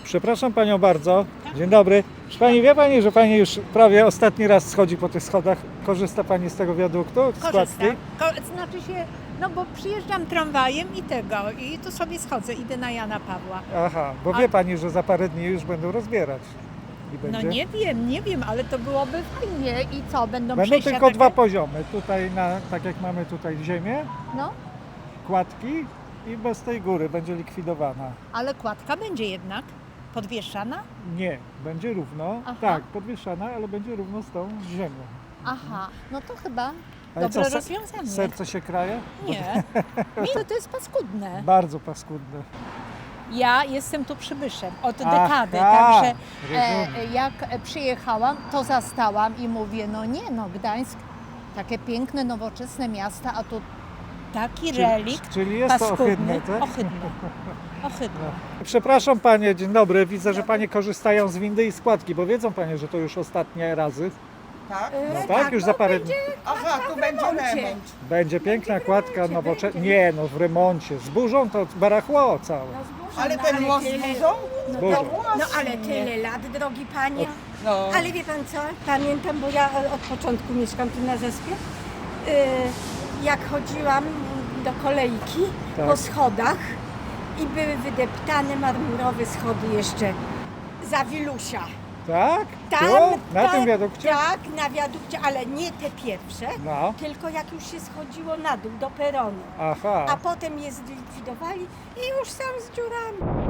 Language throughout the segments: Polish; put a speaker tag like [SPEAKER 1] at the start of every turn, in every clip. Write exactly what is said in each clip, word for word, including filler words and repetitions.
[SPEAKER 1] Przepraszam Panią bardzo. Dzień dobry. Czy Pani wie Pani, że Pani już prawie ostatni raz schodzi po tych schodach? Korzysta Pani z tego wiaduktu? Z kładki?
[SPEAKER 2] Korzystam. Ko- znaczy się, no bo przyjeżdżam tramwajem i tego, i tu sobie schodzę, idę na Jana Pawła.
[SPEAKER 1] Aha, bo
[SPEAKER 2] A-
[SPEAKER 1] wie Pani, że za parę dni już będą rozbierać. I
[SPEAKER 2] No
[SPEAKER 1] będzie?
[SPEAKER 2] nie wiem, nie wiem, ale to byłoby fajnie. I co, będą
[SPEAKER 1] Będą
[SPEAKER 2] przejścia
[SPEAKER 1] tylko
[SPEAKER 2] takie?
[SPEAKER 1] dwa poziomy. Tutaj, na, tak jak mamy tutaj ziemię,
[SPEAKER 2] No,
[SPEAKER 1] kładki i bez tej góry będzie likwidowana.
[SPEAKER 2] ale kładka będzie jednak podwieszana?
[SPEAKER 1] Nie, będzie równo.
[SPEAKER 2] Aha.
[SPEAKER 1] Tak, podwieszana, ale będzie równo z tą ziemią.
[SPEAKER 2] Aha, no to chyba
[SPEAKER 1] Ale
[SPEAKER 2] dobre
[SPEAKER 1] co, se-
[SPEAKER 2] rozwiązanie.
[SPEAKER 1] Serce się kraje?
[SPEAKER 2] Nie, mi to, to jest paskudne.
[SPEAKER 1] Bardzo paskudne.
[SPEAKER 2] Ja jestem tu przybyszem od
[SPEAKER 1] Aha,
[SPEAKER 2] dekady, także e,
[SPEAKER 1] rozumiem.
[SPEAKER 2] jak przyjechałam, to zastałam i mówię, no nie no, Gdańsk, takie piękne, nowoczesne miasta, a tu taki relikt
[SPEAKER 1] Czyli jest to
[SPEAKER 2] paskudny,
[SPEAKER 1] ohydne, tak?
[SPEAKER 2] ohydne, ohydne.
[SPEAKER 1] Przepraszam Panie, dzień dobry. Widzę, że Panie korzystają z windy i składki, bo wiedzą Panie, że to już ostatnie razy.
[SPEAKER 3] Tak?
[SPEAKER 1] No tak, już za parę dni.
[SPEAKER 3] Aha, tu będzie remont.
[SPEAKER 1] Będzie piękna kładka nowoczesna. Nie no, w remoncie. Zburzą to barachło całe.
[SPEAKER 3] Ale ten most zburzą?
[SPEAKER 1] Zburzą.
[SPEAKER 4] No ale tyle lat, drogi panie.
[SPEAKER 3] No.
[SPEAKER 4] Ale wie pan co, pamiętam, bo ja od początku mieszkam tu na Zespie. Yy, Jak chodziłam do kolejki
[SPEAKER 1] Tak.
[SPEAKER 4] po schodach i były wydeptane marmurowe schody jeszcze za Wilusia.
[SPEAKER 1] Tak?
[SPEAKER 4] Tam,
[SPEAKER 1] Tu? Na
[SPEAKER 4] tam,
[SPEAKER 1] tym wiadukcie?
[SPEAKER 4] Tak, na wiadukcie, ale nie te pierwsze,
[SPEAKER 1] No.
[SPEAKER 4] tylko jak już się schodziło na dół, do peronu.
[SPEAKER 1] Aha.
[SPEAKER 4] A potem je zlikwidowali i już sam z dziurami.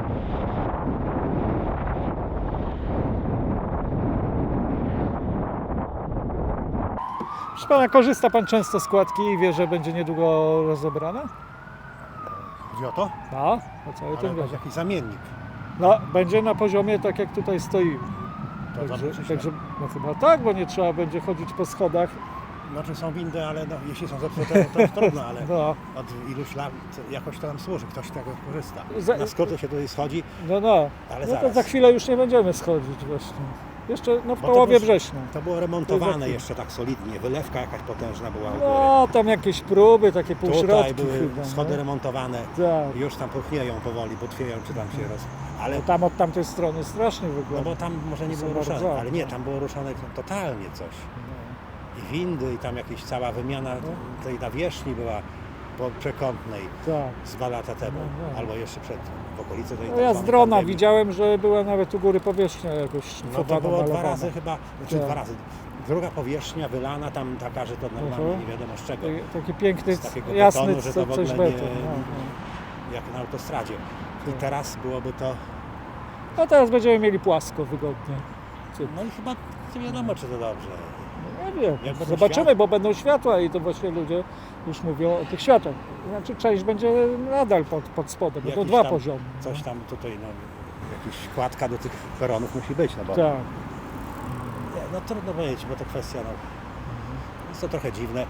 [SPEAKER 1] Proszę Pana, korzysta Pan często z składki i wie, że będzie niedługo rozebrana?
[SPEAKER 5] Chodzi o to?
[SPEAKER 1] No, o cały
[SPEAKER 5] Ale
[SPEAKER 1] ten
[SPEAKER 5] to jest
[SPEAKER 1] wiaduk.
[SPEAKER 5] jakiś zamiennik.
[SPEAKER 1] No, będzie na poziomie tak jak tutaj stoimy.
[SPEAKER 5] To
[SPEAKER 1] Także,
[SPEAKER 5] dobrze czy źle?
[SPEAKER 1] także no chyba tak, bo nie trzeba będzie chodzić po schodach.
[SPEAKER 5] Znaczy są windy, ale no, jeśli są zepsute, to jest trudno, ale
[SPEAKER 1] No,
[SPEAKER 5] od iluś lat jakoś to nam służy, ktoś z tego korzysta.
[SPEAKER 1] Za-
[SPEAKER 5] Na skróty się tutaj schodzi,
[SPEAKER 1] no, no.
[SPEAKER 5] ale
[SPEAKER 1] No to
[SPEAKER 5] zaraz.
[SPEAKER 1] za chwilę już nie będziemy schodzić właśnie. Jeszcze no, w
[SPEAKER 5] Bo to
[SPEAKER 1] połowie
[SPEAKER 5] już-
[SPEAKER 1] września.
[SPEAKER 5] To było
[SPEAKER 1] To
[SPEAKER 5] remontowane
[SPEAKER 1] za-
[SPEAKER 5] jeszcze tak solidnie, wylewka jakaś potężna była u góry.
[SPEAKER 1] No, tam jakieś próby, takie półśrodki
[SPEAKER 5] Tutaj były
[SPEAKER 1] chyba.
[SPEAKER 5] schody
[SPEAKER 1] no.
[SPEAKER 5] remontowane,
[SPEAKER 1] Tak.
[SPEAKER 5] już tam puchnieją powoli, butwieją czy tam się roz... Ale,
[SPEAKER 1] No, tam od tamtej strony strasznie
[SPEAKER 5] no
[SPEAKER 1] wygląda.
[SPEAKER 5] bo tam może nie
[SPEAKER 1] To
[SPEAKER 5] było
[SPEAKER 1] są
[SPEAKER 5] ruszane,
[SPEAKER 1] bardzo-
[SPEAKER 5] ale nie, tam było ruszane totalnie coś. I windy, i tam jakaś cała wymiana tej nawierzchni była po przekątnej.
[SPEAKER 1] Tak.
[SPEAKER 5] Z dwa lata temu,
[SPEAKER 1] No, no.
[SPEAKER 5] albo jeszcze przed, w okolicy tej
[SPEAKER 1] No, ja z
[SPEAKER 5] tak
[SPEAKER 1] drona
[SPEAKER 5] zwanej
[SPEAKER 1] widziałem, że była nawet u góry powierzchnia jakoś
[SPEAKER 5] pandemii. No
[SPEAKER 1] szlifowana,
[SPEAKER 5] to było dwa
[SPEAKER 1] malowana.
[SPEAKER 5] razy chyba, znaczy
[SPEAKER 1] Tak.
[SPEAKER 5] dwa razy. Druga powierzchnia wylana tam taka, że to normalnie
[SPEAKER 1] Mhm.
[SPEAKER 5] nie wiadomo z czego.
[SPEAKER 1] Taki- Taki piękny,
[SPEAKER 5] Z takiego
[SPEAKER 1] jasny,
[SPEAKER 5] betonu, że to
[SPEAKER 1] co,
[SPEAKER 5] w
[SPEAKER 1] coś
[SPEAKER 5] ogóle nie-
[SPEAKER 1] beton. No, no.
[SPEAKER 5] Jak na autostradzie. I
[SPEAKER 1] Tak.
[SPEAKER 5] teraz byłoby to,
[SPEAKER 1] no teraz będziemy mieli płasko, wygodnie.
[SPEAKER 5] no i chyba nie wiadomo czy to dobrze.
[SPEAKER 1] Nie wiem,
[SPEAKER 5] Jak będą
[SPEAKER 1] zobaczymy,
[SPEAKER 5] światła?
[SPEAKER 1] bo będą światła i to właśnie ludzie już mówią o tych światłach. Znaczy część będzie nadal pod, pod spodem, bo to
[SPEAKER 5] Jakiś
[SPEAKER 1] dwa
[SPEAKER 5] tam
[SPEAKER 1] poziomy.
[SPEAKER 5] Coś tam tutaj, no, jakaś kładka do tych peronów musi być, no bo
[SPEAKER 1] Tak.
[SPEAKER 5] nie, no trudno powiedzieć, bo to kwestia, no, jest to trochę dziwne.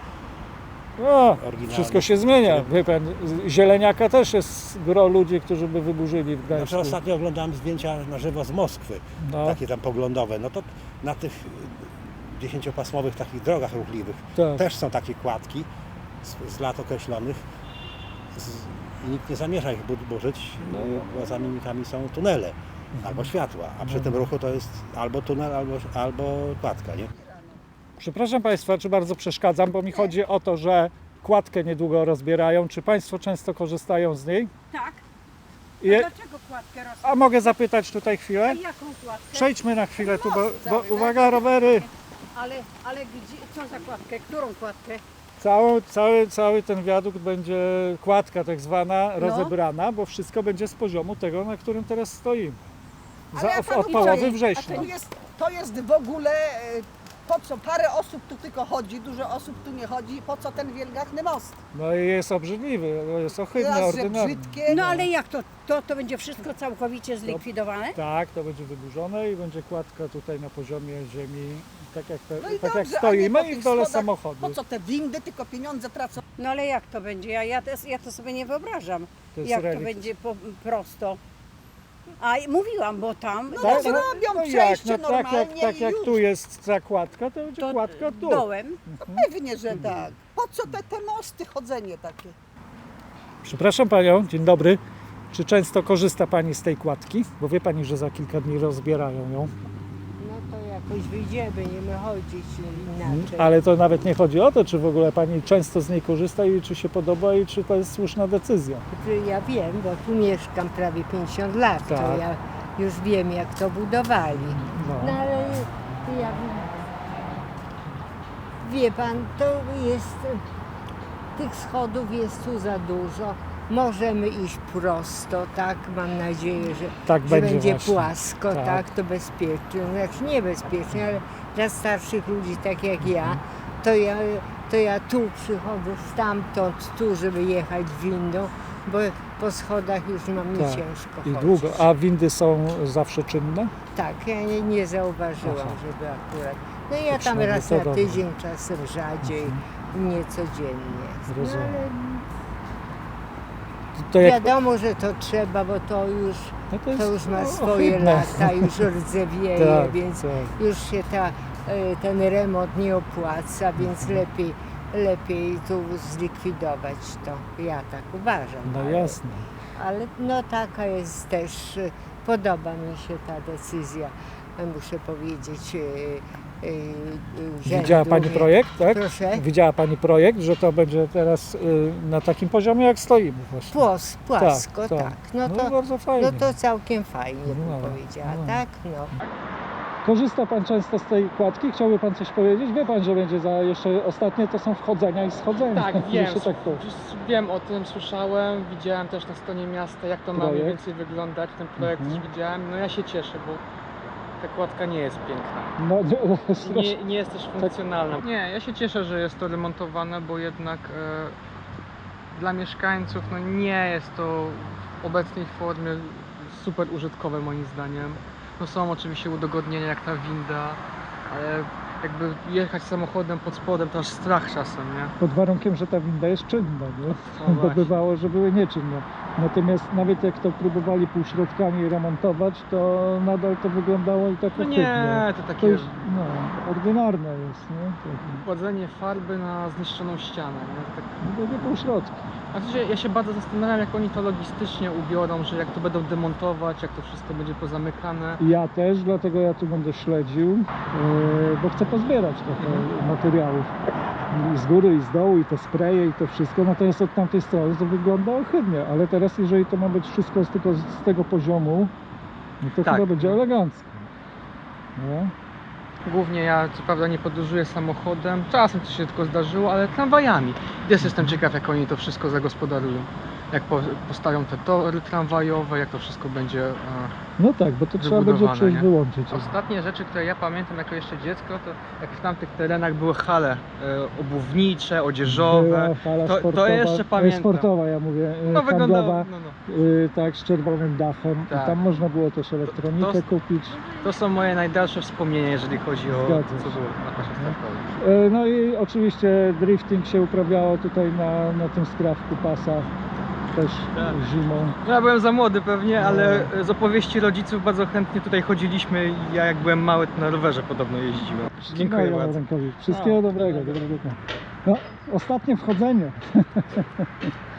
[SPEAKER 1] No,
[SPEAKER 5] Oryginalny.
[SPEAKER 1] wszystko się zmienia. Wie pan, z- zieleniaka też jest gro ludzi, którzy by wyburzyli w Gdańsku.
[SPEAKER 5] Znaczy ostatnio oglądałem zdjęcia na żywo z Moskwy,
[SPEAKER 1] No,
[SPEAKER 5] takie tam poglądowe, no to na tych y, dziesięciopasmowych takich drogach ruchliwych
[SPEAKER 1] tak.
[SPEAKER 5] też są takie kładki z, z lat określonych z, i nikt nie zamierza ich bu- burzyć,
[SPEAKER 1] No.
[SPEAKER 5] bo za mimikami są tunele albo światła, a przy tym ruchu to jest albo tunel, albo, albo kładka, nie?
[SPEAKER 1] Przepraszam Państwa, czy bardzo przeszkadzam, bo mi chodzi o to, że kładkę niedługo rozbierają. Czy Państwo często korzystają z niej?
[SPEAKER 4] Tak.
[SPEAKER 1] I,
[SPEAKER 4] Dlaczego kładkę roz...
[SPEAKER 1] a mogę zapytać tutaj chwilę?
[SPEAKER 4] Jaką kładkę?
[SPEAKER 1] Przejdźmy na chwilę tu, bo,
[SPEAKER 4] Most
[SPEAKER 1] bo
[SPEAKER 4] cały, tak?
[SPEAKER 1] uwaga, rowery.
[SPEAKER 4] Ale, ale gdzie, co za kładkę? Którą kładkę?
[SPEAKER 1] Cały, cały, cały ten wiadukt będzie, kładka tak zwana,
[SPEAKER 4] No.
[SPEAKER 1] rozebrana, bo wszystko będzie z poziomu tego, na którym teraz stoimy. Za,
[SPEAKER 3] ja
[SPEAKER 1] w,
[SPEAKER 3] panu
[SPEAKER 1] od połowy
[SPEAKER 3] powiem,
[SPEAKER 1] września.
[SPEAKER 3] To jest, to jest w ogóle, e, po co parę osób tu tylko chodzi, dużo osób tu nie chodzi, po co ten wielgachny most?
[SPEAKER 1] No i jest obrzydliwy, bo jest ohydny,
[SPEAKER 3] Raz, że
[SPEAKER 1] ordynarny.
[SPEAKER 3] brzydkie,
[SPEAKER 4] No ale jak to? To, to będzie wszystko całkowicie zlikwidowane?
[SPEAKER 1] Tak, to będzie wyburzone i będzie kładka tutaj na poziomie ziemi, tak jak, te,
[SPEAKER 3] no i
[SPEAKER 1] tak jak
[SPEAKER 3] dobrze, a nie
[SPEAKER 1] stoimy
[SPEAKER 3] po
[SPEAKER 1] i
[SPEAKER 3] tych
[SPEAKER 1] w dole
[SPEAKER 3] schodach.
[SPEAKER 1] samochodu.
[SPEAKER 3] Po co te windy, tylko pieniądze tracą?
[SPEAKER 4] No ale jak to będzie? Ja, ja, to, ja to sobie nie wyobrażam.
[SPEAKER 1] To jest
[SPEAKER 4] Jak to
[SPEAKER 1] relikt.
[SPEAKER 4] będzie po, prosto. A i mówiłam, bo tam
[SPEAKER 3] No
[SPEAKER 1] Tak,
[SPEAKER 3] to zrobią
[SPEAKER 1] no
[SPEAKER 3] przejście
[SPEAKER 1] jak, no tak jak,
[SPEAKER 3] normalnie
[SPEAKER 1] tak
[SPEAKER 3] i
[SPEAKER 1] jak
[SPEAKER 3] już.
[SPEAKER 1] tu jest ta kładka, to będzie
[SPEAKER 4] to
[SPEAKER 1] kładka tu.
[SPEAKER 4] dołem.
[SPEAKER 3] Pewnie, że tak. Po co te, te mosty, chodzenie takie?
[SPEAKER 1] Przepraszam Panią, dzień dobry. Czy często korzysta Pani z tej kładki? Bo wie Pani, że za kilka dni rozbierają ją.
[SPEAKER 6] No to jakoś wyjdziemy, będziemy chodzić inaczej.
[SPEAKER 1] Ale to nawet nie chodzi o to, czy w ogóle Pani często z niej korzysta i czy się podoba i czy to jest słuszna decyzja.
[SPEAKER 6] Ja wiem, bo tu mieszkam prawie pięćdziesiąt lat,
[SPEAKER 1] Tak.
[SPEAKER 6] to ja już wiem, jak to budowali.
[SPEAKER 1] No.
[SPEAKER 6] No ale ja wie pan, to jest, tych schodów jest tu za dużo. Możemy iść prosto, tak? Mam nadzieję, że,
[SPEAKER 1] Tak
[SPEAKER 6] że
[SPEAKER 1] będzie
[SPEAKER 6] będzie
[SPEAKER 1] właśnie.
[SPEAKER 6] płasko,
[SPEAKER 1] Tak.
[SPEAKER 6] tak. To bezpiecznie. Znaczy niebezpiecznie, ale dla starszych ludzi, tak jak ja, to ja, to ja tu przychodzę stamtąd, tu, żeby jechać windą, bo po schodach już mam mi
[SPEAKER 1] Tak.
[SPEAKER 6] ciężko
[SPEAKER 1] I
[SPEAKER 6] chodzić.
[SPEAKER 1] długo. A windy są zawsze czynne?
[SPEAKER 6] Tak, ja nie, nie zauważyłam,
[SPEAKER 1] Aha.
[SPEAKER 6] żeby akurat. No ja tam
[SPEAKER 1] przynajmniej
[SPEAKER 6] raz
[SPEAKER 1] to
[SPEAKER 6] na
[SPEAKER 1] dobre.
[SPEAKER 6] tydzień, czasem rzadziej, nie codziennie. No,
[SPEAKER 1] Rozumiem.
[SPEAKER 6] ale
[SPEAKER 1] To jak,
[SPEAKER 6] wiadomo, że to trzeba, bo to już,
[SPEAKER 1] no to, jest,
[SPEAKER 6] to już ma
[SPEAKER 1] no,
[SPEAKER 6] swoje
[SPEAKER 1] ohydne.
[SPEAKER 6] lata, już rdzewieje,
[SPEAKER 1] Tak,
[SPEAKER 6] więc
[SPEAKER 1] tak.
[SPEAKER 6] już się ta, e, ten remont nie opłaca, więc
[SPEAKER 1] Mhm.
[SPEAKER 6] lepiej, lepiej tu zlikwidować to. Ja tak uważam.
[SPEAKER 1] No
[SPEAKER 6] ale-
[SPEAKER 1] jasne.
[SPEAKER 6] Ale no taka jest też, e, podoba mi się ta decyzja, e, muszę powiedzieć, e, e, urzędu.
[SPEAKER 1] Widziała Pani projekt, tak?
[SPEAKER 6] Proszę?
[SPEAKER 1] Widziała Pani projekt, że to będzie teraz y, na takim poziomie, jak stoimy właśnie.
[SPEAKER 6] Płos, płasko, tak.
[SPEAKER 1] tak.
[SPEAKER 6] No,
[SPEAKER 1] No
[SPEAKER 6] to,
[SPEAKER 1] bardzo fajnie.
[SPEAKER 6] no to całkiem fajnie bym
[SPEAKER 1] No,
[SPEAKER 6] powiedziała,
[SPEAKER 1] no.
[SPEAKER 6] tak? No.
[SPEAKER 1] Korzysta Pan często z tej kładki? Chciałby Pan coś powiedzieć? Wie Pan, że będzie za jeszcze ostatnie to są wchodzenia i schodzenia.
[SPEAKER 7] Tak, wiem.
[SPEAKER 1] Jeszcze tak to.
[SPEAKER 7] Już wiem o tym, słyszałem, widziałem też na stronie miasta, jak to ma mniej
[SPEAKER 1] Projekt.
[SPEAKER 7] więcej wyglądać. Ten projekt
[SPEAKER 1] Mhm.
[SPEAKER 7] też widziałem. No ja się cieszę, bo ta kładka nie jest piękna.
[SPEAKER 1] No,
[SPEAKER 7] Nie, nie jest też funkcjonalna. Nie, ja się cieszę, że jest to remontowane, bo jednak e, dla mieszkańców no nie jest to w obecnej formie super użytkowe moim zdaniem. No są oczywiście udogodnienia jak ta winda, ale jakby jechać samochodem pod spodem to aż strach czasem, nie?
[SPEAKER 1] pod warunkiem, że ta winda jest czynna, nie?
[SPEAKER 7] No
[SPEAKER 1] Bo
[SPEAKER 7] właśnie.
[SPEAKER 1] bywało, że były nieczynne. Natomiast nawet jak to próbowali półśrodkami remontować, to nadal to wyglądało i tak
[SPEAKER 7] No
[SPEAKER 1] ohydnie.
[SPEAKER 7] nie, to
[SPEAKER 1] To
[SPEAKER 7] takie
[SPEAKER 1] już, no, ordynarne jest, nie? Tak.
[SPEAKER 7] kładzenie farby na zniszczoną ścianę, nie? Tak.
[SPEAKER 1] No, nie półśrodki.
[SPEAKER 7] A w sensie ja się bardzo zastanawiam, jak oni to logistycznie ubiorą, że jak to będą demontować, jak to wszystko będzie pozamykane.
[SPEAKER 1] Ja też, dlatego ja tu będę śledził, yy, bo chcę pozbierać trochę
[SPEAKER 7] Mhm.
[SPEAKER 1] materiałów. I z góry, i z dołu, i te spreje, i to wszystko. Natomiast od tamtej strony to wygląda ohydnie. Ale teraz, jeżeli to ma być wszystko z, tylko z, z tego poziomu, no to
[SPEAKER 7] Tak.
[SPEAKER 1] chyba będzie elegancko. Nie?
[SPEAKER 7] Głównie ja co prawda nie podróżuję samochodem, czasem to się tylko zdarzyło, ale tramwajami. Też jestem ciekaw, jak oni to wszystko zagospodarują. Jak po, postawią te tory tramwajowe, jak to wszystko będzie... E,
[SPEAKER 1] No tak, bo to trzeba będzie
[SPEAKER 7] Wybudowane,
[SPEAKER 1] przejść
[SPEAKER 7] nie?
[SPEAKER 1] wyłączyć.
[SPEAKER 7] Ostatnie rzeczy, które ja pamiętam jako jeszcze dziecko, to jak w tamtych terenach były hale e, obuwnicze, odzieżowe.
[SPEAKER 1] Była hala
[SPEAKER 7] To- to
[SPEAKER 1] sportowa,
[SPEAKER 7] jeszcze
[SPEAKER 1] e,
[SPEAKER 7] pamiętam.
[SPEAKER 1] sportowa, ja mówię, e,
[SPEAKER 7] No wyglądało,
[SPEAKER 1] handlowa,
[SPEAKER 7] no, no.
[SPEAKER 1] y, tak, z czerwonym dachem.
[SPEAKER 7] Tak.
[SPEAKER 1] I tam można było też elektronikę
[SPEAKER 7] to-
[SPEAKER 1] kupić.
[SPEAKER 7] To są moje najdalsze wspomnienia, jeżeli chodzi o
[SPEAKER 1] Zgadza
[SPEAKER 7] to, co
[SPEAKER 1] się.
[SPEAKER 7] było na pasie startowym.
[SPEAKER 1] E, No i oczywiście drifting się uprawiało tutaj na, na tym skrawku pasa, też
[SPEAKER 7] Tak.
[SPEAKER 1] zimą.
[SPEAKER 7] No ja byłem za młody pewnie,
[SPEAKER 1] No.
[SPEAKER 7] ale z opowieści rodziców bardzo chętnie tutaj chodziliśmy i ja jak byłem mały, to na rowerze podobno jeździłem. Dziękuję
[SPEAKER 1] No,
[SPEAKER 7] bardzo.
[SPEAKER 1] Rękowi. Wszystkiego
[SPEAKER 7] No,
[SPEAKER 1] dobrego,
[SPEAKER 7] dobra.
[SPEAKER 1] dobrego dnia. No, ostatnie wchodzenie.